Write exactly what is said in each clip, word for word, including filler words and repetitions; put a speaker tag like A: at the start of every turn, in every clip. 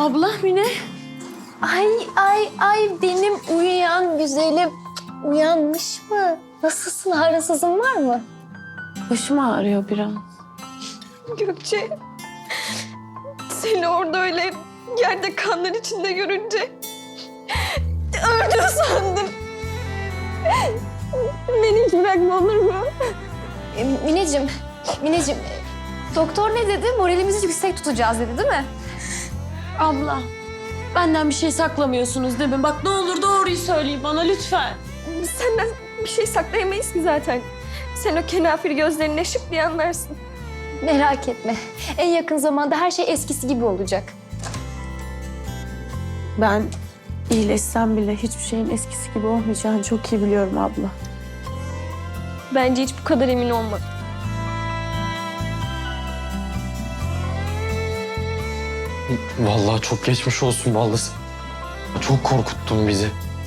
A: Abla Mine.
B: Ay ay ay benim uyuyan güzelim. Uyanmış mı? Nasılsın? Ağrısızın var mı?
A: Başım ağrıyor biraz.
C: Gökçe, seni orada öyle yerde kanlar içinde görünce öldüm sandım. Beni hiç bırakma olur mu?
B: E, Mineciğim, Mineciğim. e, Doktor ne dedi? Moralimizi yüksek tutacağız dedi değil mi?
A: Abla, benden bir şey saklamıyorsunuz değil mi? Bak ne olur doğruyu söyleyin bana lütfen.
C: Biz senden bir şey saklayamayız ki zaten. Sen o kenafir gözlerine şık diye anlarsın.
B: Merak etme. En yakın zamanda her şey eskisi gibi olacak.
A: Ben iyileşsem bile hiçbir şeyin eskisi gibi olmayacağını çok iyi biliyorum abla.
C: Bence hiç bu kadar emin olma.
D: Vallahi çok geçmiş olsun vallahi. Çok korkuttun bizi.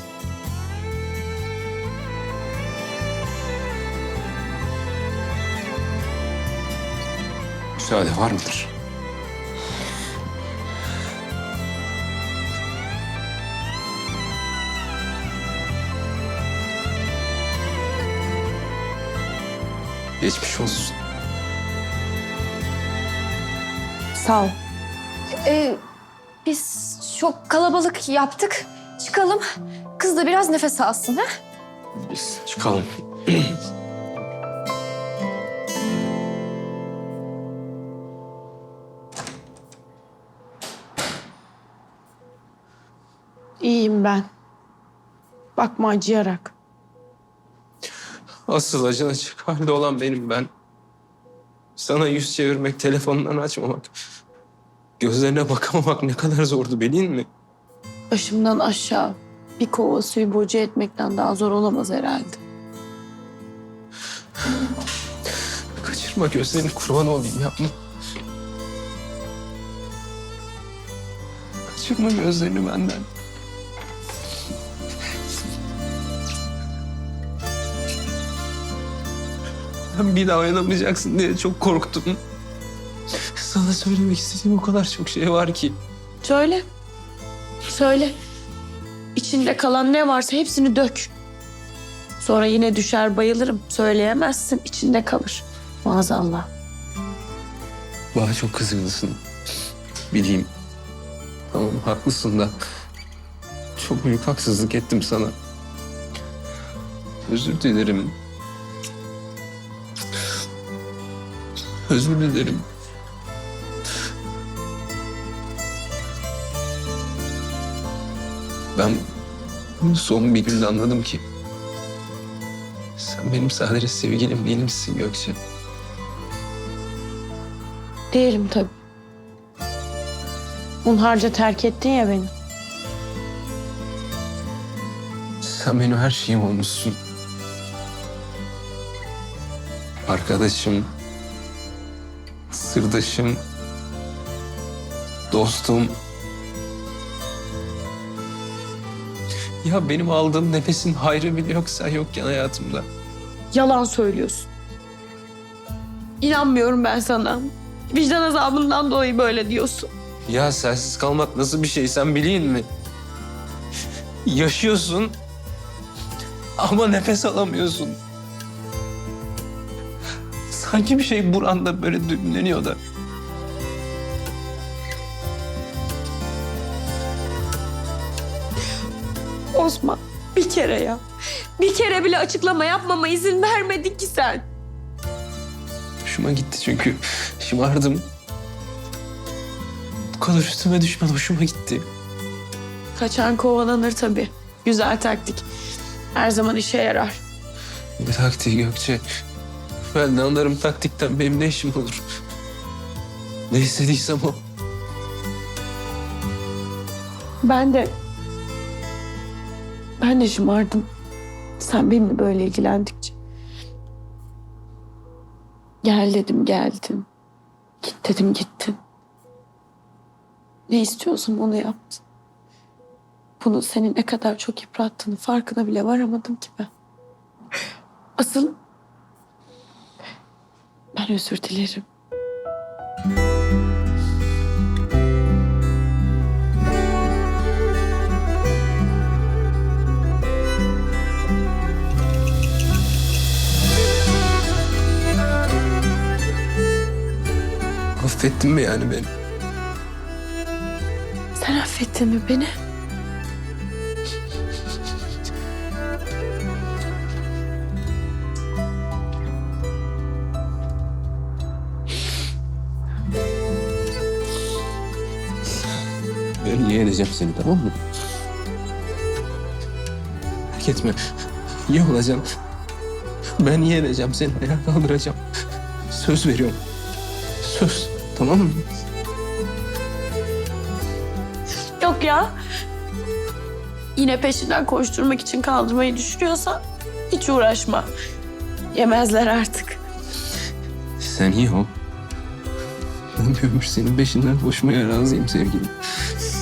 D: Müsaade var mıdır? Geçmiş olsun.
A: Sağ ol.
B: Ee, biz çok kalabalık yaptık. Çıkalım. Kız da biraz nefes alsın ha?
D: Biz çıkalım.
A: İyiyim ben. Bakma acıyarak.
D: Asıl acın açık halde olan benim ben. Sana yüz çevirmek, telefondan açmamak, gözlerine bakamamak ne kadar zordu bilin mi?
A: Başımdan aşağı bir kova suyu boca etmekten daha zor olamaz herhalde.
D: Kaçırma gözlerini kurban olayım yapma. Kaçırma gözlerini benden. Ben bir daha oynamayacaksın diye çok korktum. Sana söylemek istediğim o kadar çok şey var ki.
A: Söyle. Söyle. İçinde kalan ne varsa hepsini dök. Sonra yine düşer bayılırım. Söyleyemezsin, içinde kalır. Maazallah.
D: Bana çok kızgınsın. Bileyim. Tamam haklısın da. Çok büyük haksızlık ettim sana. Özür dilerim. Özür dilerim. Ben bunu son bir günde anladım ki sen benim sadece sevgilim değilmişsin Gökçe.
A: Değilim tabii. Hunharca terk ettin ya beni.
D: Sen benim her şeyim olmuşsun. Arkadaşım, sırdaşım, dostum. Ya benim aldığım nefesin hayrı bile yok sen yokken hayatımda.
A: Yalan söylüyorsun. İnanmıyorum ben sana. Vicdan azabından dolayı böyle diyorsun.
D: Ya sensiz kalmak nasıl bir şey sen bileyim mi? Yaşıyorsun ama nefes alamıyorsun. Sanki bir şey buranda böyle düğümleniyor da.
A: Osman bir kere ya. Bir kere bile açıklama yapmama izin vermedin ki sen.
D: Hoşuma gitti çünkü şımardım. Bu kadar üstüme düşmen hoşuma gitti.
A: Kaçan kovalanır tabii. Güzel taktik. Her zaman işe yarar.
D: Ne taktiği Gökçe? Ben de anlarım taktikten benim ne işim olur? Ne istediysem o.
A: Ben de... Ben de şımardım. Sen benimle böyle ilgilendikçe. Gel dedim geldin. Git dedim gittin. Ne istiyorsun onu yaptın. Bunu seni ne kadar çok yıprattığını farkına bile varamadım ki ben. Asıl ben özür dilerim.
D: Affettin mi yani beni?
A: Sen affettin mi beni?
D: Ben yeğeneceğim seni, tamam mı? Merak etme. İyi olacağım. Ben yeğeneceğim seni. Ayağa kaldıracağım. Söz veriyorum. Söz. Tamam mı?
A: Yok ya. Yine peşinden koşturmak için kaldırmayı düşünüyorsan hiç uğraşma. Yemezler artık.
D: Sen iyi ol. Ben bir ömür senin peşinden koşmaya razıyım sevgilim.